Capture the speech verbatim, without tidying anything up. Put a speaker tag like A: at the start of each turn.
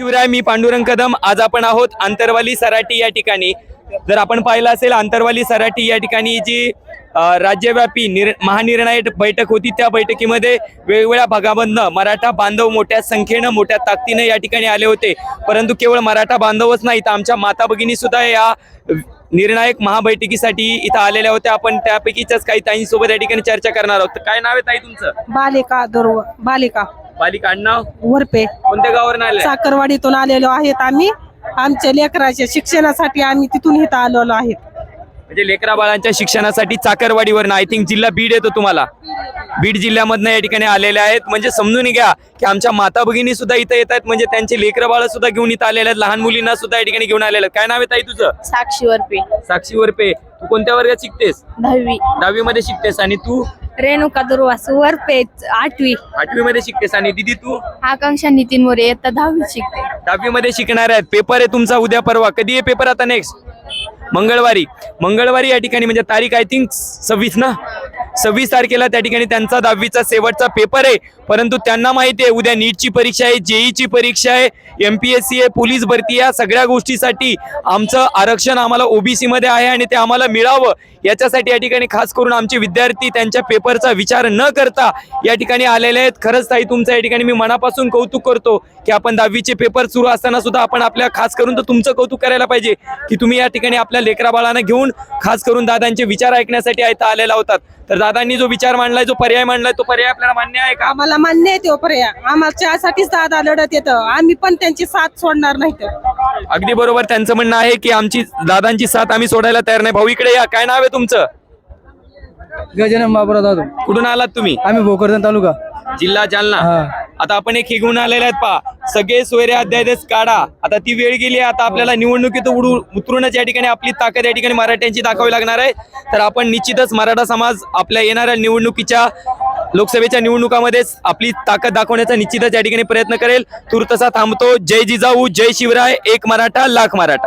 A: शिवराय, मी पांडुरंग कदम। आज आपण आहोत आंतरवाली सराटी या ठिकाणी। जर आपण पाहिलं असेल आंतरवाली सराटी या ठिकाणी जी राज्यव्यापी निर महानिर्णायक बैठक होती, त्या बैठकीमध्ये वेगवेगळ्या भागामधनं मराठा बांधव मोठ्या संख्येनं मोठ्या ताकदीने या ठिकाणी आले होते। परंतु केवळ मराठा बांधवच नाही तर आमच्या माता भगिनी सुद्धा या निर्णायक महाबैठकीसाठी इथं आलेल्या होत्या। आपण त्यापैकीच्याच काही ताईंसोबत या ठिकाणी चर्चा करणार आहोत। काय नाव आहे ताई तुमचं?
B: बालिका दुर्व बालिका
A: बालिका नाव
B: वरपे।
A: कोणत्या गावावरून आले?
B: साखरवाडीतून आलेलो आहेत आम्ही। आमच्या लेकराच्या शिक्षणासाठी आम्ही तिथून इथं आलेलो आहेत।
A: म्हणजे लेकरा बाळांच्या शिक्षणासाठी चाकरवाडीवरून, आय थिंक जिल्हा बीड येतो तुम्हाला, बीड जिल्ह्यामधनं या ठिकाणी आलेले आहेत। म्हणजे समजून घ्या की आमच्या माता भगिनी सुद्धा इथं येत आहेत, म्हणजे त्यांचे लेकरं बाळ सुद्धा घेऊन इथं आलेले आहेत, लहान मुलींना सुद्धा या ठिकाणी घेऊन आलेले आहेत। काय नाव आहे ताई तुझं?
C: साक्षी वरपे।
A: साक्षी वरपे, तू कोणत्या वर्गात शिकतेस?
C: दहावी।
A: दहावी मध्ये शिकतेस। आणि तू?
C: रेणुका दुर्वास वरपे, आठवी।
A: आठवी मध्ये शिकतेस। आणि दीदी तू?
C: आकांक्षा नितीन मोरे, आता दहावी शिकते।
A: दहावी मध्ये शिकणार आहेत। पेपर आहे तुमचा उद्या परवा। कधी आहे पेपर? आता नेक्स्ट मंगळवारी। मंगळवारी या ठिकाणी म्हणजे तारीख आय थिंक सव्वीस ना, सव्वीस तारखेला त्या ठिकाणी त्यांचा दहावीचा शेवटचा पेपर आहे। परंतु त्यांना माहिती आहे उद्या नीटची परीक्षा आहे, जेईची परीक्षा आहे, एमपीएससी आहे, पोलीस भरती, या सगळ्या गोष्टीसाठी आमचं आरक्षण आम्हाला ओबीसी मध्ये आहे आणि ते आम्हाला मिळावं याच्यासाठी या ठिकाणी खास करून आमचे विद्यार्थी त्यांच्या पेपरचा विचार न करता या ठिकाणी आलेले आहेत। खरंच ताई तुमचं या ठिकाणी मी मनापासून कौतुक करतो की आपण दहावीचे पेपर सुरू असताना सुद्धा आपण आपल्या खास करून तर तुमचं कौतुक करायला पाहिजे की तुम्ही या ठिकाणी आपल्या लेकरा बाळांना घेऊन खास करून दादांचे विचार ऐकण्यासाठी इथं आलेला होतात। तर दादांनी जो विचार मांडलाय, जो पर्याय मांडलाय, तो पर्याय आपल्याला मान्य आहे का?
B: आम्हाला मान्य आहे तो पर्याय। आम्हाच्यासाठीच दादा लढत येतं, आम्ही पण त्यांची साथ सोडणार नाही। तर
A: अगदी बरोबर त्यांचं म्हणणं आहे की आमची दादांची साथ आम्ही सोडायला तयार नाही। भाऊ इकडे या। काय नाव आहे तुमचं?
D: गजानन बाबुराव जाधव।
A: कुठून आलात तुम्ही?
D: आम्ही भोकरदन तालुका,
A: जिल्हा जालना। आता आपण एक हे घेऊन आलेले आहेत पा, सगळे सोयरे अध्यादेश काढा। आता ती वेळ गेली आहे, आता आपल्याला निवडणुकीत उडू उतरूनच या ठिकाणी आपली ताकद या ठिकाणी मराठ्यांची दाखवावी लागणार आहे। तर आपण निश्चितच मराठा समाज आपल्या येणाऱ्या निवडणुकीच्या लोकसभेच्या निवडणुकामध्येच आपली ताकद दाखवण्याचा निश्चितच या ठिकाणी प्रयत्न करेल। तुर्तसा थांबतो। जय जिजाऊ, जय शिवराय, एक मराठा लाख मराठा।